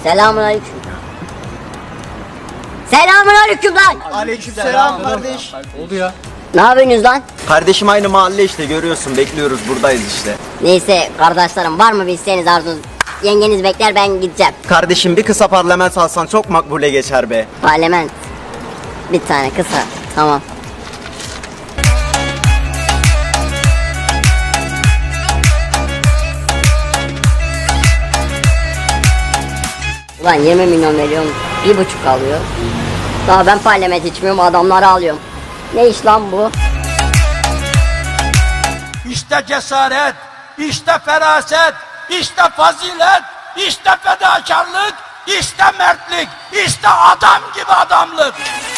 Selamünaleyküm. Selamünaleyküm lan. Aleykümselam kardeş. Oldu ya. Ne yapıyorsunuz lan? Kardeşim aynı mahalle işte, görüyorsun, bekliyoruz, buradayız işte. Neyse kardeşlerim, var mı bir isteğiniz, arzunuz? Yengeniz bekler, ben gideceğim. Kardeşim bir kısa parlament alsan çok makbule geçer be. Parlament. Bir tane kısa. Tamam. Ulan 20 milyon veriyorum, 1,5 alıyor. Daha ben parlament içmiyorum, adamları alıyorum. Ne iş lan bu? İşte cesaret, işte feraset, işte fazilet, işte fedakarlık, işte mertlik, işte adam gibi adamlık.